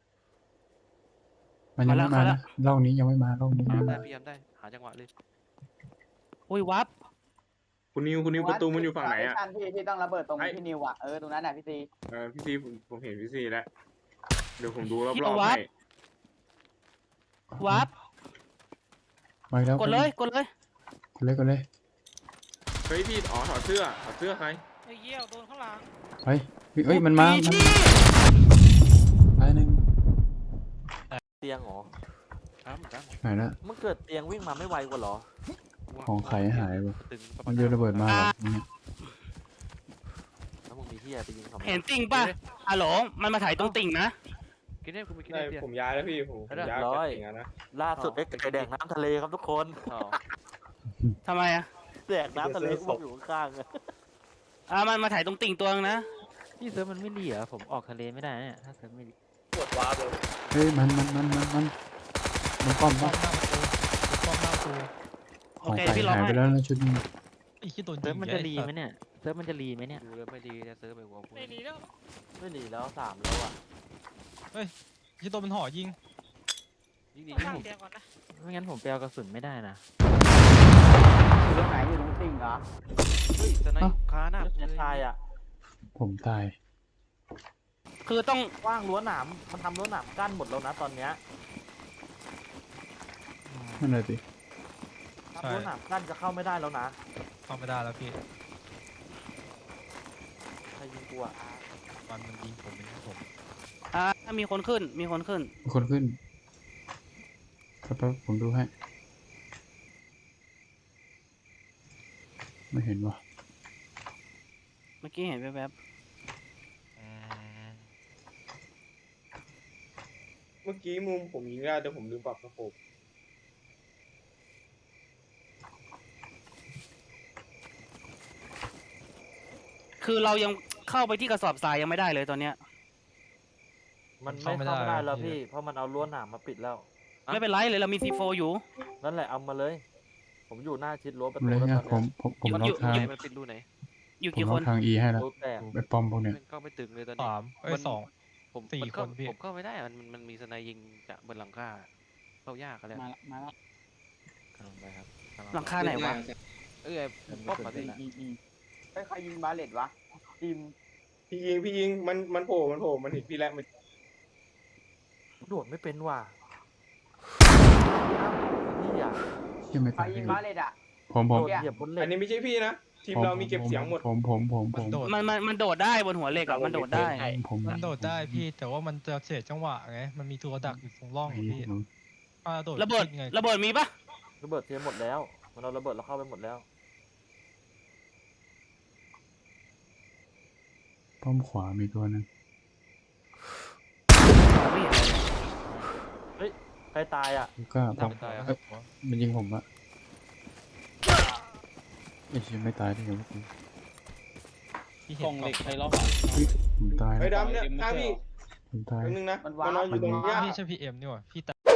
S4: มันยังไม่มานะร่องนี้ยังไม่มาร่องนี้
S6: ตาม
S4: ยังไม่
S6: ได้
S4: มา
S6: พี่ยามได้หาจังหวะเลย
S1: อุ้ยวับ
S7: คุณนิวประตูมันอยู่ฝั่งไหนอ่ะ
S5: ที่ต้องระเบิดตรงพี่นิวอ่ะตรงนั้นน่ะพี่ซี
S7: พี่ซีผมเห็นพี่ซีแล้วเดี๋ยวผมดูรอบ
S1: พี่
S7: ๆ
S1: เอาวับ
S7: ให้
S1: วับ
S4: มาแล้ว
S1: กดเลยกดเลย
S4: กดเลย
S7: เฮ้ยพี่ถอดเสื้อใคร
S9: ไอ้เหี้ยโดนข้างหลัง
S4: เฮ้ยมันมาไปหนึ่ง
S10: เตียงเหรอ
S6: ตาม
S4: ไหนละ
S10: มันเกิดเตียงวิ่งมาไม่ไวกว่าเหรอ
S4: ของใครหายไป
S6: ตึงประมา
S4: มั
S6: ณ
S4: นโยนระเบิดมาเหรอเนี่ย
S10: แล้วมึงมีที่ไปยิงเขาไหม
S1: เห็นติ่งป่ะฮัลโหลมันมาถ่ายตรงติ่งนะ
S6: กินได้คุณไปกิน
S7: ได้
S6: ได้เพีย
S7: ผมย้ายแล้วพี่ผมย้ายจากอย่างนั้นนะ
S10: ล่าสุดได้ไก่แดงน้ำทะเลครับทุกคน
S6: อ๋อ
S1: ทำไมอะ
S10: แดกน้ำทะเลกูบอกอยู่ข้างๆเลย
S1: มันมาถ่ายตรงติ่งตัวนึงนะ
S2: พี่เซิร์ฟมันไม่ดีเหรอผมออกทะเลไม่ได้เนี่ยถ้าเซิร์ฟไม่ดี
S4: เฮ้ยมันป้อม
S3: ป้อมหน้าประตูป้อมหน้าประตู
S4: ของใครหายไปแล้วนะชุดนี้
S3: ไอ้ขี้ตัว
S2: เซิ
S3: ยิ
S2: ร์ฟ
S3: ง
S2: มันจะรีไหมเนี่ยเซิร์ฟมันจะรีไหมเนี่ย
S6: ดูแล้วไม่ดีจะซื้อไปหัวกู
S9: ไม่ดีแล้ว
S10: ไม่หนีแล้ว3แล้วอ่ะ
S3: ขี้ตัวมันห่อยิง
S6: ยิ่งดี
S9: ต้อง
S6: ยิ่ง
S9: สร้างเตียงก่อนนะ
S2: ไม่งั้นผมไปเอากระสุนไม่ได้นะ
S5: อยู่ตรงไหนอยู่ตรงติ่งเหรอ
S6: เฮ้ยสไนป์คาหน้า
S10: แล้วจะตายอ่ะ
S4: ผมตาย
S1: คือต้อง
S10: ว่างรั้วหนามมันทำรั้วหนามกั้นหมดแล้วนะตอนเนี้ย
S4: นั่นเลยสิ
S10: ทำรั้วหนามกั้นจะเข้าไม่ได้แล้วนะ
S3: เข้าไม่ได้แล้วพี่
S10: ใครยิงกูอ่ะ
S3: มันยิงผมเองครับผม
S1: มีคนขึ้นมีคนขึ้น
S4: มีคนขึ้นครับผมดูให้ไม่เห็นว่ะ
S1: เมื่อกี้เห็นแวบ
S7: เมื่อกี้มุมผมยิงได้แต่ผมลืมปรับสโคป
S1: ๆคือเรายังเข้าไปที่กระสอบทรายยังไม่ได้เลยตอนเนี้ย
S10: มันไม่เข้าไม่ได้แล้วพี่ เพราะมันเอารั้วหนามมาปิดแล้ว
S1: ไม่เป็นไรเลยเรามี C4 อยู่
S10: นั่นแหละเอามาเลย ผมอยู่หน้าชิดรั้วประตู
S4: เลย
S10: แล้ว
S4: เนี่ย
S10: ตอน
S4: ผม
S10: เนี้ย
S4: ล็อกทาง
S6: มันปิดรูไหน
S1: อยู่
S4: ผม
S1: กี่
S4: ล็
S1: ค
S4: อก
S1: น
S4: ทาง E ให้แล้ว
S10: รั้วแตก
S4: ไปป้อมพวกเนี้ย
S6: มันก็ไม่ตึงเลยตอนนี้
S3: สอง
S6: ผม
S3: สี่
S6: มันเข้า
S3: คนพี่
S6: ผมเข้าไม่ได้มันมีสไนยิงจากบนหลังคาเข้ายากกันแล้ว
S1: มาแล้ว
S2: กำลังไปครับกำ
S1: หลังคาไหนวะ
S6: เอ้ยป๊อปมาดิ
S5: ไปใครยิงบาเลตวะทีม
S7: พี่ยิงมันโผล่มันเห็นพี่แล้วมัน
S10: โดดไม่เป็นว่ะนี่อ่ะ
S4: ยังไม่
S5: ใคร
S4: ตาย
S5: ยิงบาเลตอ่ะ
S4: ผม
S10: โดดเหยียบบนเหล็
S7: อั
S10: ก
S7: นนี้ไม่ใช่พี่นะทีมเรามีเก็บเสียงหมด
S4: ผม
S3: มันโดด
S1: มันโดดได้บนหัวเหล็กอะมันโดดได้
S4: ผม
S3: มันโดดได้พี่ แต่ว่ามันจะเสียจังหวะไง มันมีตัวดักอยู่ตรงร่องอะพี่ถ้าโดด
S1: ระเบิด
S3: ขึ้นไง
S1: ระเบิดมีปะ
S10: ระเบิดเทียมหมดแล้ว มันเอาระเบิดเราเข้าไปหมดแล้ว
S4: ป้อมขวามีตัวนึง
S1: ไม่เห็นเลย
S10: ใครตายอ่ะ
S4: ก็ผม
S6: ตายอ่ะ
S4: มันยิงผมอะไอ้เชี่ยไม่ตายได้ไงวะ
S3: พี่เห็นเหล็กใครล็อก
S4: ผมตาย
S7: ไอ้
S4: แล้ว
S7: ดำเนี่ยข้างพี่
S4: ผมตาย
S7: แป๊บนึงนะ
S5: มัน
S7: มันนอนอยู่ตรงเนี้ย
S3: พี่ใช่พีเอ็มนี่หว่าพี่ตาย